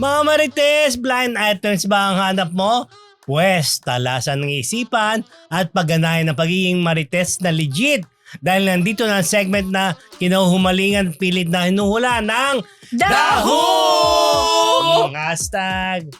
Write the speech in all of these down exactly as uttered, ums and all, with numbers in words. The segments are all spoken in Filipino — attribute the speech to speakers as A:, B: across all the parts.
A: Mga Marites, blind items ba ang hanap mo? Pwes, talasan ng isipan at pagganahan ng pagiging Marites na legit. Dahil nandito na ang segment na kinahumalingan pilit na hinuhula ng
B: Daho!
A: Hashtag.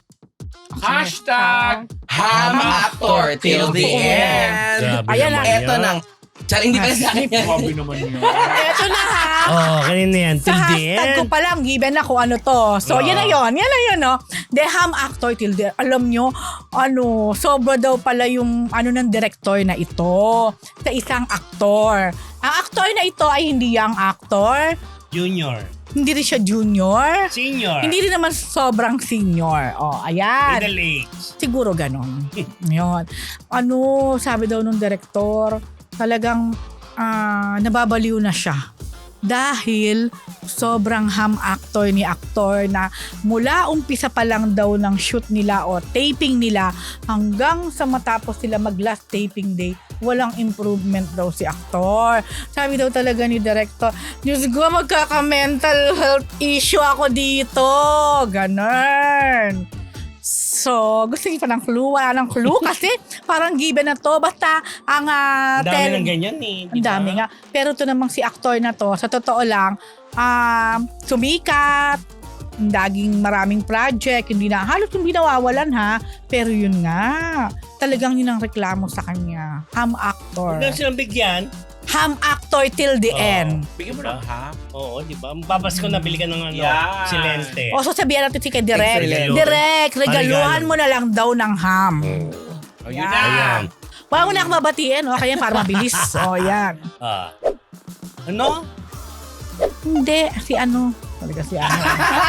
C: Hashtag Ham Actor till the end.
A: Grabe
B: Ayan
A: naman
B: na,
C: Eto
A: yun.
C: nang. Char, hindi pala sa akin yan.
D: Grabe naman yun.
B: Eto na ha.
A: Oh, kanina yan.
B: Sa
A: Till the
B: hashtag ko
A: end.
B: pa lang, given na kung ano to. So,
A: Ah.
B: yan na yun. Yan na yun, no? The Ham Actor till the Alam nyo, ano, sobra daw pala yung ano ng director na ito sa isang aktor. Ang aktor na ito ay hindi young actor.
A: Junior.
B: Hindi rin siya junior.
A: Senior.
B: Hindi rin naman sobrang senior. O, ayan.
A: Middle age.
B: Siguro ganon. Yun. Ano, sabi daw nung director, talagang ah, nababaliw na siya. Dahil sobrang ham actor ni aktor na mula umpisa pa lang daw ng shoot nila o taping nila hanggang sa matapos sila mag last taping day, walang improvement daw si aktor. Sabi daw talaga ni director, Diyos ko, magkaka-mental health issue ako dito. Ganon. So, gusto niyo pa ng clue? Wala ng clue kasi parang given na to. Basta ang uh,
A: Ang dami ng ganyan eh.
B: ang dami nga. Pero to namang si aktor na to, sa totoo lang, um, sumikat, daging maraming project, hindi na, halos hindi nawawalan ha. Pero yun nga, talagang yun ang reklamo sa kanya. Ham actor.
A: Huwag lang silang bigyan.
B: Ham actor till the
A: Oo.
B: end.
D: Bigyan mo ng ha?
A: Oo, di ba? Papasko na bili ka ng ano,
D: Yan.
A: silente.
B: O so sabihan natin si kay Direk.
C: Excellent.
B: Direk, regaluhan
A: Regalo.
B: mo na lang daw ng ham.
D: O yun na.
A: Ayan.
B: Wala mo na akong mabatiin, o kaya para mabilis. O yan.
A: Ah. Ano?
B: Hindi, si ano. Talaga si ano.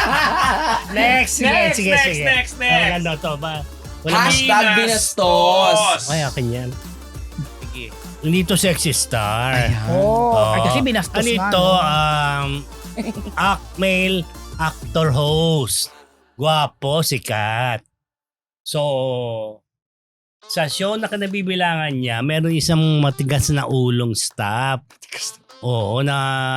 A: Next, sige,
D: Next,
A: sige,
D: next,
A: sige.
D: next, next.
A: Ano to ba? Wala
C: Hashtag binastos.
A: Ay, akin yan. Sige. Hindi to sexy star.
B: Oh,
A: Oo.
B: ay kasi binastos
A: Ano
B: nga.
A: ito?
B: no?
A: Um, act male actor host. Guwapo, sikat. So, sa show na kanabibilangan niya, meron isang matigas na ulong staff. Oo, na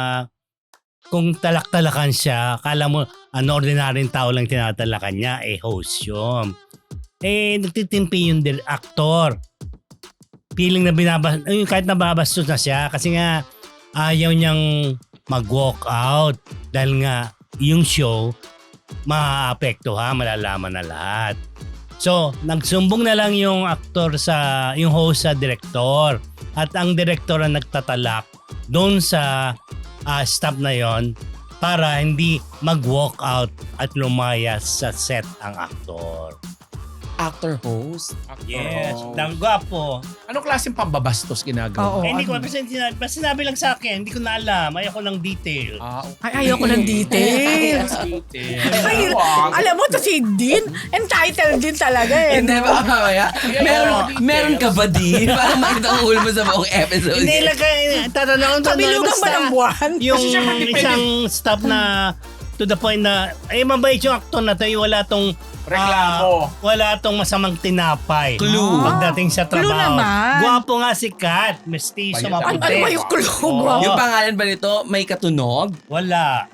A: kung talak-talakan siya, kala mo, ano, ordinaryong tao lang tinatalakan niya, eh, host yun. Eh, nagtitimpi yung dir- actor. Feeling na binabas, ay, kahit nababastos na siya, kasi nga, ayaw niyang mag-walk out. Dahil nga, yung show, maaapektuhan, malalaman na lahat. So, nagsumbong na lang yung aktor sa, yung host sa director. At ang director ang nagtatalak doon sa uh, staff na yon para hindi mag-walk out at lumayas sa set ang aktor.
C: Actor host.
A: Yes,
D: Oh.
A: dang gwapo.
D: Anong klaseng pambabastos ginagawa?
B: Oo.
A: eh, hindi ko,
B: ano?
A: basta sinabi, basta sinabi lang sa akin, hindi ko na alam, ayoko ng detail.
D: Ah,
B: Ay, ayoko ng details.
D: okay.
B: Ay, alam mo to si Dean, entitled din talaga eh.
C: Hindi ba mamaya? Meron,
D: details.
C: meron ka ba di? Para makita ang ulo mo sa buong episode.
A: Hindi lang kayo, tatanong ko.
B: Kabilugan ba ng buwan?
A: Yung
D: Kasi siya matipid.
A: isang staff na to the point na, ay mabait yung actor na tayo, wala tong
D: Reklamo.
A: ah, wala tong masamang tinapay.
C: Clue.
A: Pagdating sa
B: Clue
A: trabaho.
B: naman.
A: Gwapo nga si Kat. Mestizo,
D: Ayun,
B: Ano,
A: maputi.
B: ano ba yung clue?
A: Oo.
B: Wow.
C: Yung pangalan ba nito, may katunog?
A: Wala.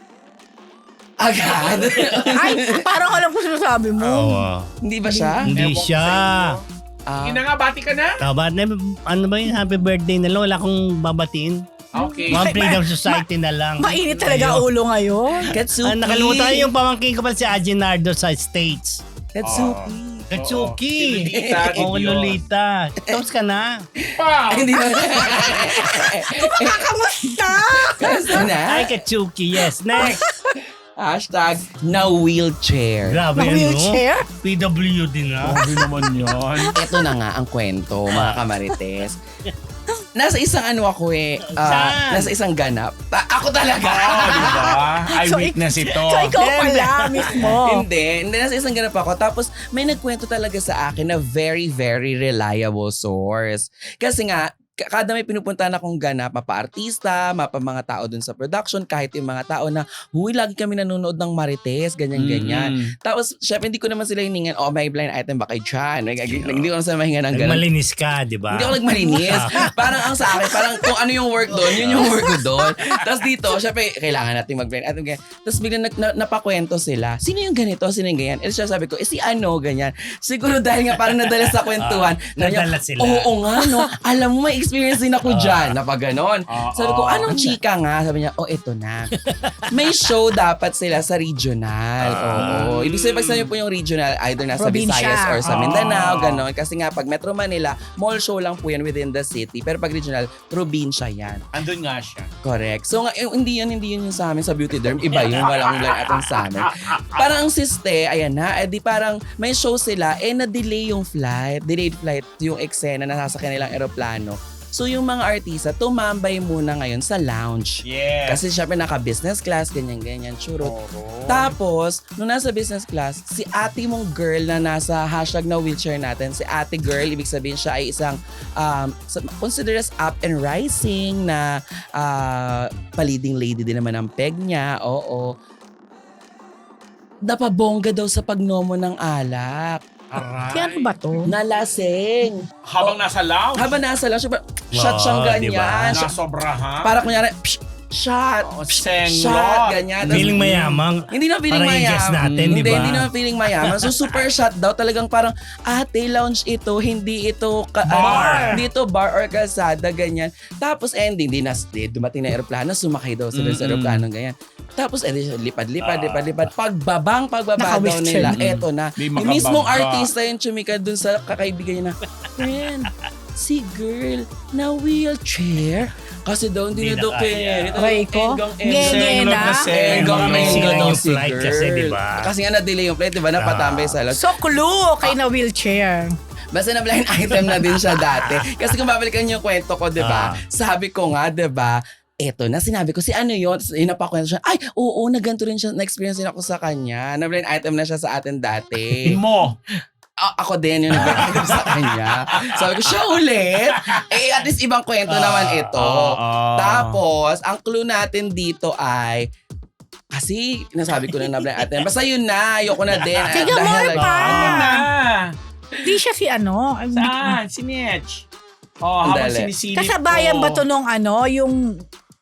C: Agad?
B: Ay, parang alam ko sinasabi mo.
A: Oo.
C: Hindi ba siya?
A: Hindi
D: Ewan ko
A: siya.
D: sa inyo.
C: Ah,
D: Ina nga, bati ka na.
A: Taba, ano ba yun? Happy birthday na lang. Wala akong babatiin.
D: Okay.
A: One
B: Ay,
A: Freedom
B: ma-
A: Society na lang.
B: Mainit talaga
A: Ayun.
B: ulo ngayon.
C: Katsuki.
A: Ah, nakalimutan yung pamangkin ko pala si Aginardo sa States.
C: Katsuki.
A: Katsuki.
D: Si Lolita,
A: Oo,
D: Gideon.
A: Lolita. Tapos ka na.
D: Pa!
C: Ay, hindi ba?
B: Kakamusta?
C: Kamusta na?
A: Ay, Katsuki. Yes. Next.
C: Hashtag na wheelchair.
A: Grabe
B: Na
A: yun, no?
B: wheelchair?
A: P W D na.
D: Grabe naman yan.
C: Ito na nga ang kwento, mga kamarites. Nasa isang ano ako eh. ah,
A: Saan?
C: nasa isang ganap. Ta- ako talaga.
D: Ah, di ba?
B: So,
D: Eyewitness ito.
B: So, ikaw pala mismo.
C: Hindi, hindi. Nasa isang ganap ako. Tapos may nagkwento talaga sa akin na very, very reliable source. Kasi nga, k- kada may pinupuntahan akong ganap, mapa-artista, mapa mga tao dun sa production, kahit yung mga tao na, huy, lagi kami nanonood ng Marites, ganyan-ganyan.
D: Mm.
C: Tapos, syempre, hindi ko naman sila hiningan, oh, may blind item ba kay Chan? Like, hindi ko naman sila mahingan ng ganun.
A: Nagmalinis ka, di ba?
C: Hindi ako nagmalinis. Parang ang sa akin, parang kung ano yung work doon, yun yung work ko doon. Tapos dito, syempre, kailangan natin mag-blind item. Ganyan. Tapos biglang na, na, napakwento sila. Sino yung ganito? Sino yung ganyan? Eh, siya sabi ko, eh si ano, ganyan. Siguro dahil nga parang nadala sa kwentuhan.
A: Ah, nadala sila.
C: Oo nga, no. Alam mo, may experience din ako dyan. Na pag ganon.
D: Ah,
C: Sabi ko,
D: ah.
C: anong chika nga? Sabi niya, oh, eto na. May show dapat sila sa regional. Oo. Ibig sabihin, pag sabi po yung regional, either nasa
B: Probinsya.
C: Visayas or sa
D: Ah.
C: Mindanao, ganon. Kasi nga, pag Metro Manila, mall show lang po yan within the city. Pero pag regional, probinsya yan.
D: Andun nga siya.
C: Correct. So, nga, eh, hindi yun, hindi yun yung sa amin sa Beauty Derm. Iba yun, walang lang atong sa amin. Parang ang siste, ayan na, eh di parang may show sila, eh na-delay yung flight. Delayed flight yung eksena na sasakyan nilang eroplano. So, yung mga artista, tumambay muna ngayon sa lounge.
D: Yes.
C: Kasi syempre naka-business class, ganyan-ganyan, churot.
D: Oro.
C: Tapos, nung nasa business class, si ate mong girl na nasa hashtag na wheelchair natin, si ate girl, ibig sabihin siya ay isang um, considered as up and rising na uh, paliding lady din naman ang peg niya. Oo. Napabongga daw sa pagnomo ng alak.
D: Aray.
B: Kaya ano ba to?
C: Nalasing.
D: Habang nasa lounge.
C: Habang nasa lang, syempre, shot siyang
A: Wow,
C: ganyan.
A: diba?
C: Shot-
D: Nasobrahan.
C: Para kunyari, psh, shot,
D: Oo,
C: psh,
D: senglot.
C: shot, ganyan. Tapos-
A: Feeling mayamang.
C: Hindi na feeling
A: Parang i-guess
C: mayaman.
A: natin,
C: hindi,
A: di ba?
C: hindi na feeling mayaman. So, super shot daw. Talagang parang, ate, lounge ito. Hindi ito ka-
D: Bar.
C: ano, hindi ito bar or kalsada, ganyan. Tapos, ending, di na, di, dumating na aeroplano, sumakay daw sila sa
D: Mm-mm.
C: aeroplano, ganyan. Tapos, edi, lipad-lipad,
A: Ah.
C: lipad-lipad. Pagbabang, pagbaba daw
B: Naka-wheelchair.
C: nila.
D: Mm.
C: Eto na.
D: Di
C: Yung mismong
D: makabangga.
C: artista yung chumika dun sa kakaibigan niya na, friend, si girl na wheelchair. Kasi daw hindi
A: Hindi
C: na daw
A: na
C: kaya.
A: kaya.
C: Ito,
B: Aray ko.
C: enggang-
B: Nge,
C: enggang-
B: nge
D: Senglot
B: na.
D: na senglot.
C: Enggang
A: May
C: enggang
A: silang
C: daw
A: yung
C: si
A: flight
C: girl.
A: kasi, di ba?
C: Kasi nga na-delay yung flight, di ba? Napatambay sa lounge.
B: So, clue kay na wheelchair.
C: Basta na blind item na din siya dati. Kasi kung babalikan yung kwento ko, di ba?
A: Ah.
C: Sabi ko nga, di ba? Eto na, sinabi ko, si ano yun? Tapos inapakwento siya, ay, oo, na ganito rin siya, na-experience din ako sa kanya. Na blind item na siya sa atin dati.
D: Mo.
C: A- ako din yung nag sa kanya. Sabi ko, siya ulit? Eh, at least ibang kwento naman ito.
D: Ah, ah.
C: Tapos, ang clue natin dito ay, kasi nasabi ko na na blind item. Basta yun na, ayoko na din.
B: Sige,
C: Dahil-
B: more pa.
D: Ano na?
B: Di siya si ano.
D: Saan? Si Mitch. Oh, habang
C: Dali.
D: sinisilip
B: Kasabayan
D: ko.
B: ba to nung ano, yung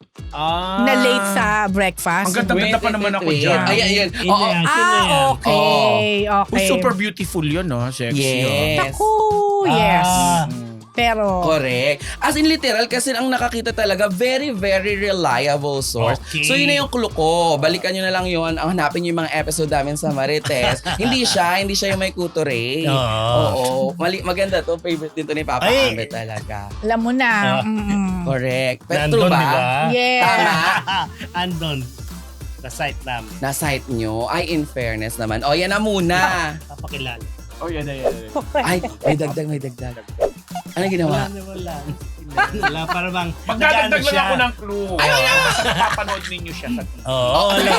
D: Ah.
B: na late sa breakfast?
D: Ang ganda-ganda pa naman ako
C: wait,
D: dyan.
C: wait. Ay, ayun.
A: Yun
C: Oo.
A: na yan, yun na
B: Ah,
A: yan.
B: okay.
D: Oh,
B: Okay.
D: super beautiful yun, no? Sexy.
C: Yes.
B: Naku, yes.
A: Ah.
D: Oh.
B: Pero,
C: Correct. As in literal, kasi ang nakakita talaga, very, very reliable source.
A: Okay.
C: So yun na yung clue ko. Balikan nyo na lang yun. Ang hanapin nyo yung mga episode namin sa Marites. hindi siya, hindi siya yung may kuture.
A: Oo.
C: Oo. Mali, maganda to. Favorite din to ni Papa
A: Ay.
C: Ambe talaga.
B: alam mo na.
A: Ah.
B: mm-mm.
C: Correct. Pero true
A: Nandun,
C: ba?
A: di ba?
B: Yeah.
C: Tama.
A: Andon. Sa site namin.
C: Na site nyo. Ay, in fairness naman. O, yan na muna.
A: Papakilala.
D: Oh, yan, yan, yan.
C: Ay, may dagdag, may dagdag. Ano ginawa?
A: Wala na wala. Wala, para bang
D: Magdadagdag
A: nag-ano
D: lang
A: siya.
D: ako ng clue. Ay, basta napapanood ninyo siya sa T V.
A: Oo, wala.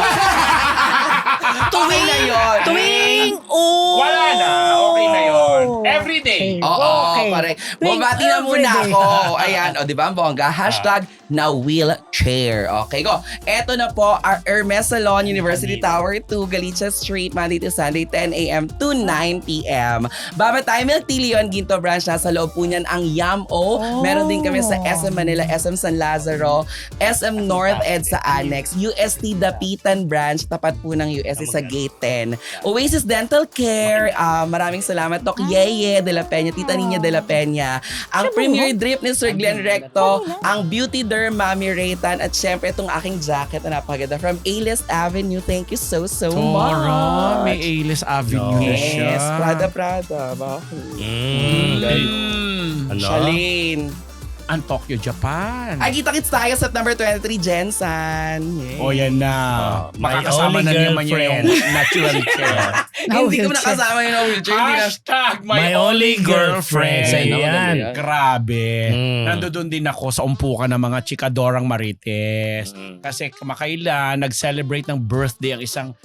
C: Tuwing na yun.
B: Tuwing, oh.
D: Wala na. Okay na yun. Every day.
B: Okay.
C: Oo,
B: Okay.
C: correct.
B: Tuwing
C: Bumati na muna
B: everyday.
C: ako. Ayan, o di ba ang bongga? Hashtag na wheelchair. Okay, go. Eto na po, our Hermes Salon, University Tower two, Galicia Street, Monday to Sunday, ten a.m. to nine p.m. Baba tayo, Milk Tea Leon, Ginto Branch. Nasa loob po niyan ang Yam-O.
B: Oh.
C: Meron din kami sa S M Manila, S M San Lazaro, S M North Ed sa Annex, U S T Dapitan Branch, tapat po ng U S T sa Gate ten. Oasis Dental Care, ah, maraming salamat, Doc Yeye de la Peña, Tita Nina de la Peña, ang Premier Drip ni Sir Glenn Recto, ang Beauty Derm Mami Raytan, at syempre itong aking jacket na napakaganda from A-List Avenue. Thank you so, so
D: Tora, may
C: much.
D: A-list avenue na siya.
C: Yes, Prada Prada. Bakit?
A: Mm.
D: Mm.
A: Ano?
C: Charlene.
D: Ang Tokyo, Japan.
C: Ay, kita-kits tayo sa number twenty-three, Jensan. Yay.
D: O yan na.
A: Oh, my
D: Makakasama
A: only
D: na naman niya yung
A: girlfriend.
D: natural chair.
C: Hindi ko
B: wheelchair.
C: nakasama yung wheelchair. Hindi na.
D: Hashtag my,
A: My only girlfriend. Sa
C: Ay,
A: yan.
C: naku,
D: Grabe.
A: Mm.
D: Nandoon din ako sa umpukan ng mga chikadorang Marites.
A: Mm.
D: Kasi kamakailan, nag-celebrate ng birthday ang isang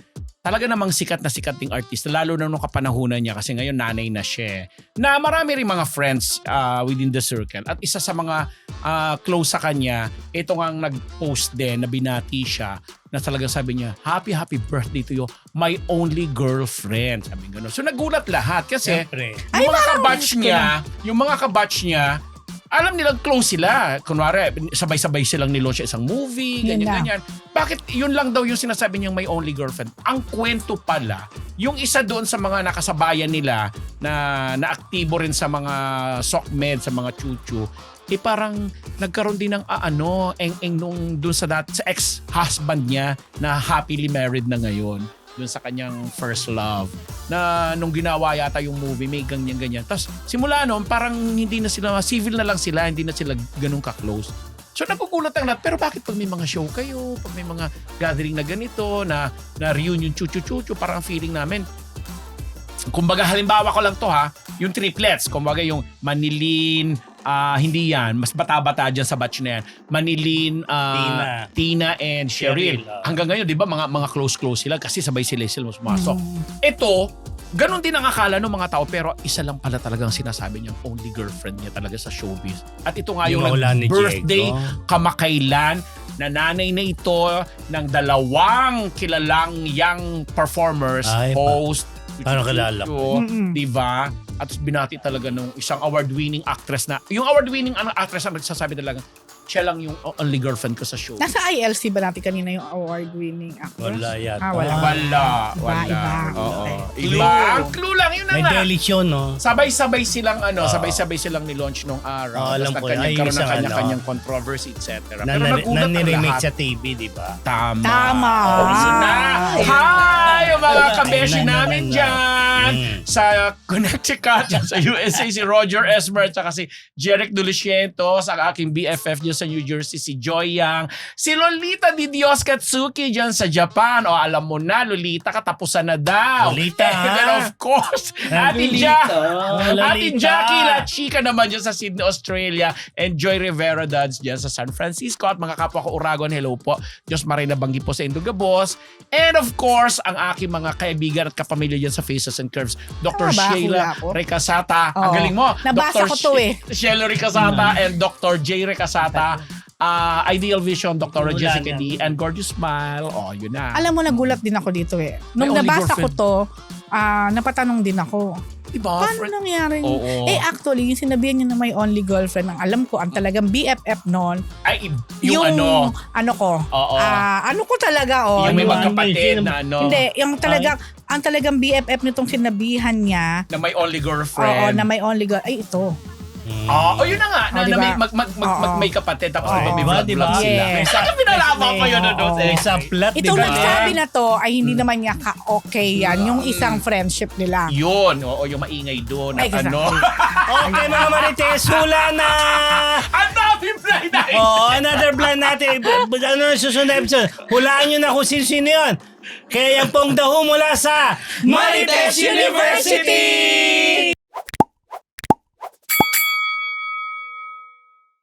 D: talaga namang sikat na sikat ding artista, lalo na nung kapanahunan niya kasi ngayon nanay na siya. eh. Na marami rin mga friends uh, within the circle. At isa sa mga uh, close sa kanya, ito nga ang nag-post din na binati siya na talagang sabi niya, happy, happy birthday to you, my only girlfriend. Sabi gano'n. So nagulat lahat kasi
A: Siyempre.
D: yung
B: Ay,
D: mga
B: parang
D: kabatch
B: gusto
D: niya, yung mga kabatch niya, alam nilang close sila. Kunwari, sabay-sabay silang nilaunch isang movie,
B: Yun
D: ganyan-ganyan. Bakit yun lang daw yung sinasabi niyang may only girlfriend? Ang kwento pala, yung isa doon sa mga nakasabayan nila na naaktibo rin sa mga SOCMED, sa mga chuchu, eh parang nagkaroon din ng ah, ano, eng-eng nung doon sa, dat, sa ex-husband niya na happily married na ngayon doon sa kanyang first love na nung ginawa yata yung movie may ganyan-ganyan. Tapos simula noon parang hindi na sila, civil na lang sila, hindi na sila ganun ka-close. So nagugulat ang lahat. Pero bakit pag may mga show kayo, pag may mga gathering na ganito, na, na reunion chuchu-chuchu, parang feeling namin, kumbaga halimbawa ko lang to ha, yung triplets, kumbaga yung Manilin, ah hindi yan, mas bata-bata dyan sa batch na yan. Manilin, ah,
A: Tina.
D: Tina and Cheryl.
A: Cheryl, ah.
D: Hanggang ngayon, di ba, mga, mga close-close sila kasi sabay sila sila pumasok.
B: Mm.
D: Ito, ganun din ang akala ng mga tao pero isa lang pala talagang sinasabi niyang only girlfriend niya talaga sa showbiz. At ito nga yung,
A: Yung wala ni
D: birthday
A: Diego.
D: kamakailan na nanay na ito ng dalawang kilalang young performers,
A: Ay, pa-
D: host,
A: Paano kilala
B: ko? Mm-mm.
D: di ba? At binati talaga nung isang award-winning actress na, yung award-winning ano, actress na nagsasabi talaga, siya lang yung only girlfriend ko sa show.
B: Nasa I L C ba natin kanina yung award-winning actress?
A: Wala yata.
B: Ah, wala.
D: Wala,
B: Iba,
D: wala.
B: iba.
D: Oo.
B: Okay.
D: Iba. Ang clue lang, yun na
A: May
D: nga.
A: daily show, no?
D: Sabay-sabay silang ano,
A: Oo.
D: sabay-sabay silang ni-launch nung araw.
A: Oo, alam
D: Tapos
A: ko.
D: nagkanya-
A: Ay,
D: karoon ng
A: isang
D: kanya-kanyang
A: ano.
D: controversy, et cetera.
A: Na,
D: Pero
A: na,
D: nagulat ang
A: nire-remake
D: lahat.
A: sa T V, di ba?
D: Tama.
B: Tama.
D: Oo, yun na. Hi, yung mga
A: Ayun
D: kabeshi
A: na,
D: namin
A: ayun na.
D: dyan.
A: Mm.
D: Sa Connecticut, dyan sa U S A, si Roger Esmer, at saka si Jeric Duliciento, sa aking B F F dyan sa New Jersey, si Joy Yang, si Lolita Di Dios Katsuki dyan sa Japan. O alam mo na, Lolita, katapusan na daw.
A: Lolita, ha?
D: And of course, Ate
A: Lolita.
D: Jack.
A: Oh,
D: Ate
A: Lolita.
D: Jackie La Chica naman dyan sa Sydney, Australia. And Joy Rivera Duds dyan sa San Francisco. At mga kapwa ko Uragon, hello po. Diyos Marina Banggi po sa Indugabos. And of course, ang aking mga kaibigan at kapamilya dyan sa Faces and Curves. Doctor
B: Tama ba?
D: Sheila
B: Hula ko?
D: Recasata. Ang
B: Oo.
D: galing mo.
B: Nabasa
D: Doctor
B: ko to eh.
D: Sheila Recasata and Doctor J. Recasata. Uh, Ideal Vision, Doctor
A: Wala
D: Jessica
A: na.
D: D. And Gorgeous Smile. Oh, yun na.
B: Alam mo, nagulat din ako dito eh. Nung
D: May only
B: nabasa ko
D: girlfriend.
B: to, ah, napatanong din ako.
D: Diba?
B: Paano
D: Friend?
B: nangyari?
D: Oo.
B: Eh actually, yung sinabihan niya na may only girlfriend, ang alam ko, ang talagang B F F noon,
D: Ay, yung, ano.
B: ano ko,
D: Oo.
B: ah, ano ko talaga, oh.
D: yung may
A: ano,
D: magkapatid
A: ano,
D: na ano.
B: Hindi, yung talagang, ang talagang B F F nitong sinabihan niya,
D: Na may only
B: oo,
D: girlfriend.
B: na may only girl, ay ito.
A: Mm.
D: Ah, oh, yun na nga. Na,
B: Oh,
D: na
B: diba?
D: may, mag, mag, mag,
B: Oo.
D: mag- may kapatid tapos
B: Oo.
D: diba, may
A: Diba,
D: vlog
A: diba?
D: vlog sila.
B: Yes.
D: Saan pinalaman ko yun? Ano,
B: Oo.
D: eh?
A: May subplot, di
B: Itong
A: ba?
B: nagsabi na to ay hindi naman niya ka-okay yan, yung isang friendship nila.
D: Yun. Oo, yung maingay doon.
B: Ay,
D: At ano.
A: Okay, mga Marites, hula na!
D: Ang dami blind item.
A: Oh, another blind natin. B- b- Ano na susunod na episode? Hulaan nyo na kung sino-sino yun. Kaya yan pong daho mula sa
D: Marites University!